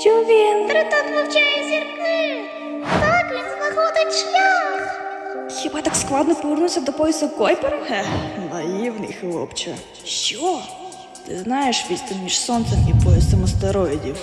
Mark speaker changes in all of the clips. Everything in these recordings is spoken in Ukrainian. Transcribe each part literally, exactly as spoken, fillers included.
Speaker 1: Що він?
Speaker 2: Тритон вивчає зірки. Так він знаходить шлях.
Speaker 1: Хіба так складно повернутися до поясу Койпера?
Speaker 3: Хе, наївний хлопче.
Speaker 1: Що?
Speaker 3: Ти знаєш відстань між сонцем і поясом астероїдів?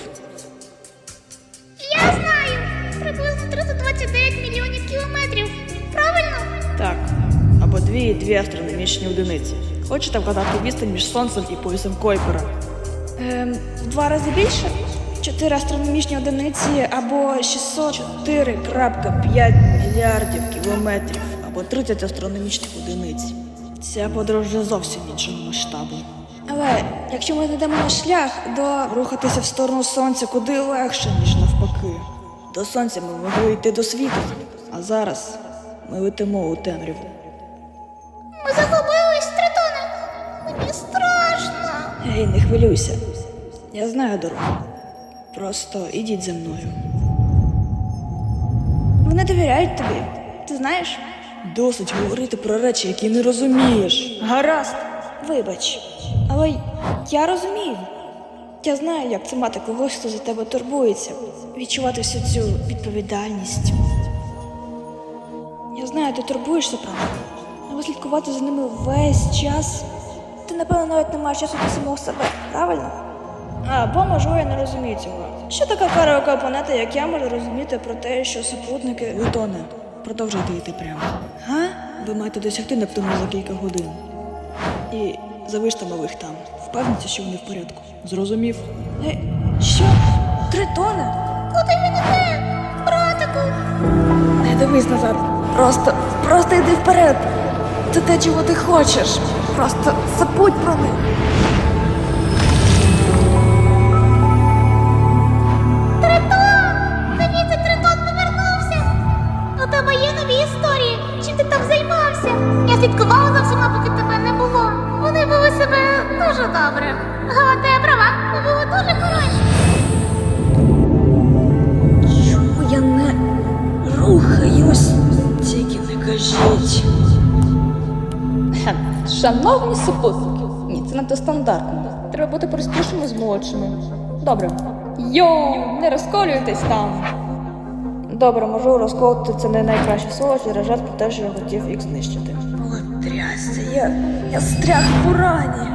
Speaker 2: Я знаю. Приблизно триста двадцять дев'ять мільйонів кілометрів. Правильно?
Speaker 3: Так. Або дві і дві астрономічні одиниці. Хочете вгадати відстань між сонцем і поясом Койпера?
Speaker 1: Ем, в два рази більше? Чотири астрономічні одиниці або шістсот чотири крапка п'ять
Speaker 3: Мільярдів кілометрів або тридцять астрономічних одиниць. Ця подорож вже зовсім іншого масштабу.
Speaker 1: Але якщо ми знайдемо наш шлях до
Speaker 3: Рухатися в сторону сонця куди легше, ніж навпаки. До сонця ми могли йти до світу, а зараз ми летимо у темряву.
Speaker 2: Ми загубились, Тритоне. Мені страшно.
Speaker 3: Ей, не хвилюйся. Я знаю дорогу. Просто ідіть за мною.
Speaker 1: вони довіряють тобі. Ти знаєш?
Speaker 3: Досить говорити про речі, які не розумієш.
Speaker 1: Гаразд, вибач. Але я розумію. Я знаю, як це мати когось, хто за тебе турбується. Відчувати всю цю відповідальність. Я знаю, ти турбуєшся про них. Але слідкувати за ними весь час. Ти, напевно, навіть не маєш часу до самого себе, правильно? Або, можливо, я не розумію цього. Що така караока планета, як я, можу розуміти про те, що супутники...
Speaker 3: Плутоне, продовжуйте йти прямо.
Speaker 1: Га?
Speaker 3: Ви маєте досягти Нептуна за кілька годин. І залиште малих там. Впевніться, що вони в порядку. Зрозумів?
Speaker 1: Е, що? Тритоне?
Speaker 2: Куди він іде? Братику.
Speaker 1: Не дивись назад. Просто, просто йди вперед. Це те, чого ти хочеш. Просто забудь про них.
Speaker 2: Тритон! Дивіться, Тритон повернувся. У тебе є нові історії. Чим ти там займався? Я слідкувала за всіма, поки тебе не було. Вони вели себе дуже добре. Галата, я права, ви були дуже хороші.
Speaker 1: Чому я не рухаюсь?
Speaker 3: Тільки не кажіть.
Speaker 4: Шановні супутники, ні, це надто стандартно. Треба бути простішими з молодшими. Добре. Йоу, не розколюйтесь там.
Speaker 1: Добре, можу розколоти це не найкраще слово через жарт про те, що я хотів їх знищити.
Speaker 3: О, трясся.
Speaker 1: Я, я стряг в урані.